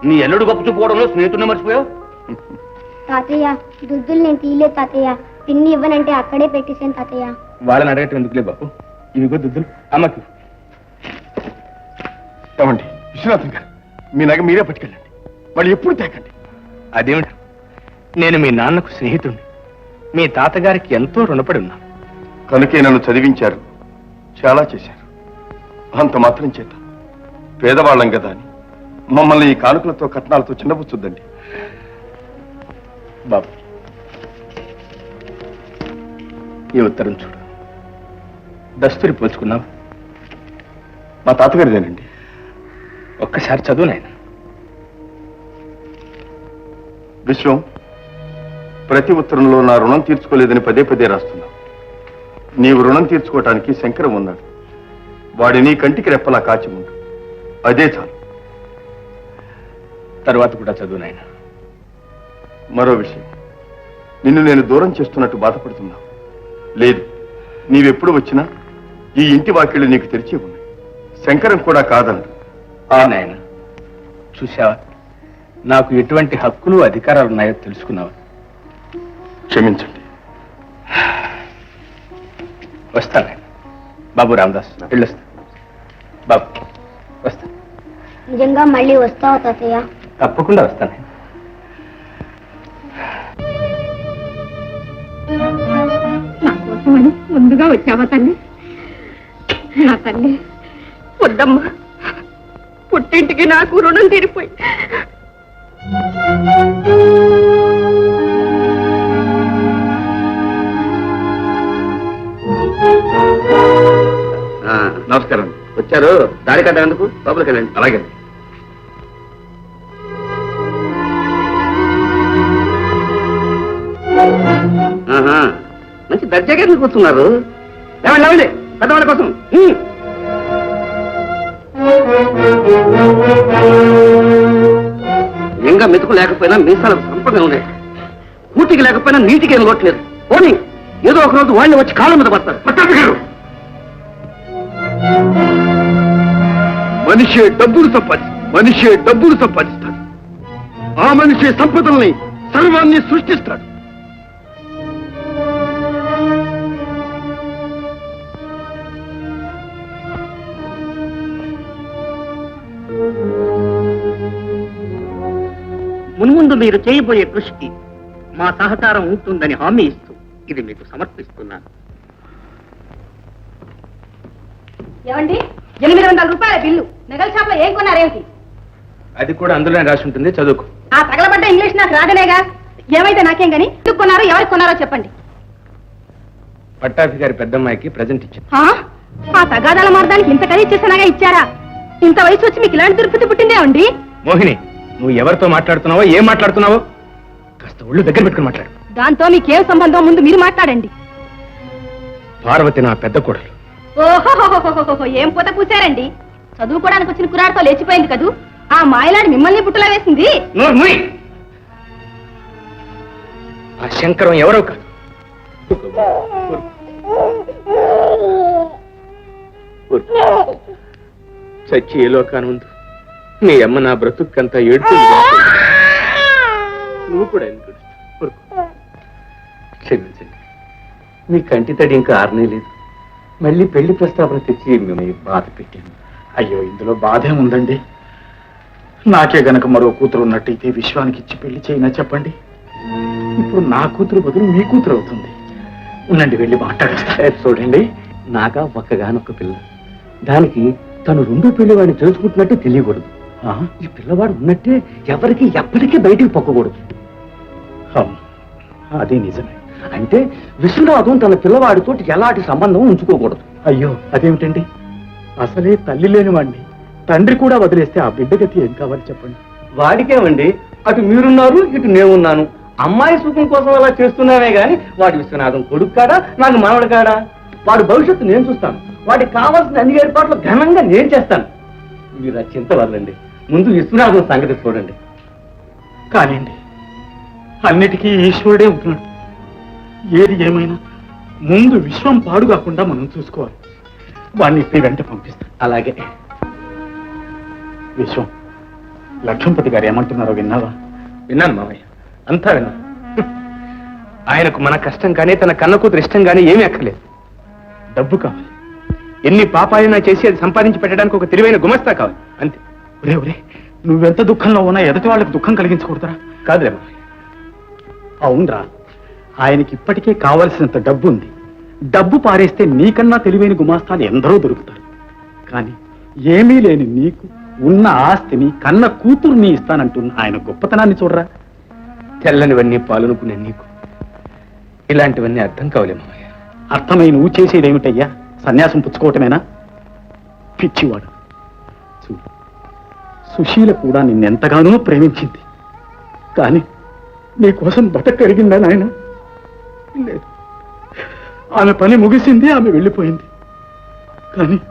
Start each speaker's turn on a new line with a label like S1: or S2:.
S1: నీ ఎల్లుడు గొప్ప చూపుకోవడంలో స్నేహితుడిని మర్చిపోయావు.
S2: తాతయ్య దుద్దులు నేను తీయలేదు తాతయ్య. పిన్ని ఇవ్వనంటే అక్కడే పెట్టేశాను తాతయ్య.
S1: వాళ్ళని అడగటం ఎందుకులే బాబు. ఇవిగో దుద్దులు అమ్మకి.
S3: ఏమండి విశ్వనాథం గారు, మీ నగ మీరే పట్టుకెళ్ళండి, వాళ్ళు ఎప్పుడు తేకండి.
S1: అదేమిటి, నేను మీ నాన్నకు స్నేహితుడిని, మీ తాతగారికి ఎంతో రుణపడి ఉన్నా.
S3: కనుకే నన్ను చదివించారు, చాలా చేశారు. అంత మాత్రం చేత పేదవాళ్ళం కదా అని మమ్మల్ని ఈ కానుకలతో కట్నాలతో చిన్నపుచ్చుద్దండి.
S1: బాబు, ఈ ఉత్తరం చూడు. దస్తూరి పోల్చుకున్నావు.
S3: మా తాతగారిదేనండి.
S1: ఒక్కసారి చదువు నాయన.
S3: విశ్వం, ప్రతి ఉత్తరంలో నా రుణం తీర్చుకోలేదని పదే పదే రాస్తున్నా. నీవు రుణం తీర్చుకోవటానికి శంకరం ఉన్నాడు. వాడి నీ కంటికి రెప్పలా కాచి ఉండు, అదే చాలు.
S1: తర్వాత కూడా చదువు నాయన.
S3: మరో విషయం, నిన్ను నేను దూరం చేస్తున్నట్టు బాధపడుతున్నా. లేదు, నీవెప్పుడు వచ్చినా ఈ ఇంటి వాకిళ్ళు నీకు తెరిచి ఉన్నాయి. శంకరం కూడా కాదన్నాడు.
S1: నాయన, చూసావా, నాకు ఎటువంటి హక్కులు అధికారాలు ఉన్నాయో తెలుసుకున్నావా?
S3: క్షమించండి.
S1: వస్తాను నాయన. బాబు రామదాస్, వెళ్ళొస్తా. బాబు వస్తా.
S2: నిజంగా మళ్ళీ వస్తావా తాతయ్య?
S1: తప్పకుండా వస్తాను.
S4: నా కోసమని ముందుగా వచ్చావా తల్లి? నా తల్లి వద్దమ్మా, పుట్టింటికి నాకు రుణం తీరిపోయి.
S3: నమస్కారం.
S1: వచ్చారు, దారి కట్టేందుకు లోపలికి వెళ్ళండి.
S3: అలాగే.
S1: మంచి దర్జాగా కూర్చున్నారు. లేవండి లేవండి, పెద్దవాళ్ళ కోసం. ఇంకా మెతుకు లేకపోయినా మీసాలకు సంపద ఉన్నాయి. కూటికి లేకపోయినా నీటికి ఏం లోట్లేదు. పోనీ ఏదో ఒక రోజు వాళ్ళు వచ్చి కాళ్ళ మీద పడతారు.
S3: మనిషే డబ్బులు సంపాదిస్తాడు. ఆ మనిషే సంపదల్ని సర్వాన్ని సృష్టిస్తాడు.
S5: మున్ముందు మీరు చేయబోయే కృషికి మా సహకారం ఉంటుందని హామీ ఇస్తూ ఇది మీకు సమర్పిస్తున్నాను.
S4: ఏమండి, 800 రూపాయల బిల్లు నగల షాప్ లో ఏం కొన్నారేమిటి?
S1: అది కూడా అందులోనే రాసి ఉంటుంది, చదువుకో.
S4: ఆ తగలబడ్డ ఇంగ్లీష్ నాకు రాదనేగా. ఏమైతే నాకేం గాని, ఎందుకు కొన్నారో ఎవరికి కొన్నారో చెప్పండి.
S1: పట్టాభి గారి పెద్దమ్మాయికి ప్రజెంట్ ఇచ్చాను.
S4: ఆ తగాదాల మార్గానికి ఇంత ఖరీదు చేసినాగా ఇచ్చారా? ఇంత వయసు వచ్చి మీకు ఇలాంటి దుర్పతి పుట్టిందే అండి.
S1: మోహిని, నువ్వు ఎవరితో మాట్లాడుతున్నావో, ఏం మాట్లాడుతున్నావో కాస్త ఒళ్ళు దగ్గర పెట్టుకుని మాట్లాడు.
S4: దాంతో మీకేం సంబంధం, ముందు మీరు మాట్లాడండి.
S1: పార్వతి నా పెద్ద కోడలు.
S4: ఓహో, ఏం పూత పూసారండి. చదువుకోవడానికి వచ్చిన కురాడుతో లేచిపోయింది కదూ. ఆ మాయలాడి మిమ్మల్ని పుట్టలా వేసింది.
S1: ఆ శంకరం ఎవరో కాదు. చచ్చి ఏ లోకాను ఉంది. నీ అమ్మ నా బ్రతుక్కంతా ఏడుతుంది. నువ్వు కూడా ఎందుకు క్షమించండి. మీ కంటి తడి ఇంకా ఆరనే లేదు. మళ్ళీ పెళ్లి ప్రస్తావన తెచ్చి మిమ్మల్ని బాధ పెట్టాను.
S6: అయ్యో, ఇందులో బాధే ఉందండి. నాకే గనక మరో కూతురు ఉన్నట్టయితే విశ్వానికి ఇచ్చి పెళ్లి చేయినా చెప్పండి. ఇప్పుడు నా కూతురు బదులు మీ కూతురు అవుతుంది. ఉండండి, వెళ్ళి మాట్లాడేస్తా.
S1: చూడండి, నాగా ఒక్కగానొక్క పిల్ల. దానికి తను రెండో పిల్లవాడిని తెలుసుకుంటున్నట్టు తెలియకూడదు. ఈ పిల్లవాడు ఉన్నట్టే ఎవరికి ఎప్పటికీ బయటికి పొక్కకూడదు.
S6: అదే నిజమే.
S1: అంటే విశ్వనాథం తన పిల్లవాడితో ఎలాంటి సంబంధం ఉంచుకోకూడదు.
S6: అయ్యో, అదేమిటండి? అసలే తల్లి లేని వాడిని తండ్రి కూడా వదిలేస్తే ఆ బిడ్డ గతి ఏం కావాలి చెప్పండి.
S1: వాడికేమండి, అటు మీరున్నారు, ఇటు నేనున్నాను. అమ్మాయి సుఖం కోసం అలా చేస్తున్నామే గాని వాడి విశ్వనాథం కొడుకు కాడా, నాకు మనవడు కాడా? వాడి భవిష్యత్తు నేను చూస్తాను. వాడికి కావాల్సిన అన్ని ఏర్పాట్లు ఘనంగా నేను చేస్తాను. మీరు ఆ చింత వదలండి. ముందు విశ్వనాథం సంగతి చూడండి.
S6: కానివ్వండి, అన్నిటికీ ఈశ్వరుడే ఉంటున్నాడు. ఏది ఏమైనా ముందు విశ్వం పాడు కాకుండా మనం చూసుకోవాలి. వాడిని ఇప్పుడు వెంట పంపిస్తాం.
S1: అలాగే.
S6: విశ్వం, లక్ష్మణపతి గారు ఏమంటున్నారో విన్నావా?
S1: విన్నాను మామయ్య, అంతా విన్నాను. ఆయనకు మన కష్టం కానీ తన కన్న కూతురు ఇష్టం కానీ ఏమీ అక్కర్లేదు. డబ్బు కావాలి. ఎన్ని పాపాలైనా చేసి అది సంపాదించి పెట్టడానికి ఒక తెలివైన గుమస్తా కావాలి, అంతే.
S6: ఒరే ఒరే, నువ్వెంత దుఃఖంలో ఉన్నా ఎదుటి వాళ్ళకి దుఃఖం కలిగించకూడదురా.
S1: కాదులే మామయ్య.
S6: అవునరా, ఆయనకి ఇప్పటికే కావలసినంత డబ్బు ఉంది. డబ్బు పారేస్తే నీకన్నా తెలివైన గుమాస్తాలు ఎందరో దొరుకుతారు. కానీ ఏమీ లేని నీకు ఉన్న ఆస్తిని కన్న కూతుర్ని ఇస్తానంటున్న ఆయన గొప్పతనాన్ని చూడరా.
S1: తెల్లనివన్నీ పాలనుకునే నీకు ఇలాంటివన్నీ అర్థం కావలే మామయ్య.
S6: అర్థమై నువ్వు చేసేదేమిటయ్యా? సన్యాసం పుచ్చుకోవటమేనా? పిచ్చివాడు. చూడు, సుశీల కూడా నిన్నెంతగానో ప్రేమించింది. కానీ నీకోసం బతకగలిగిందా నాయన? లేదు. ఆమె పని ముగిసింది, ఆమె వెళ్ళిపోయింది. కానీ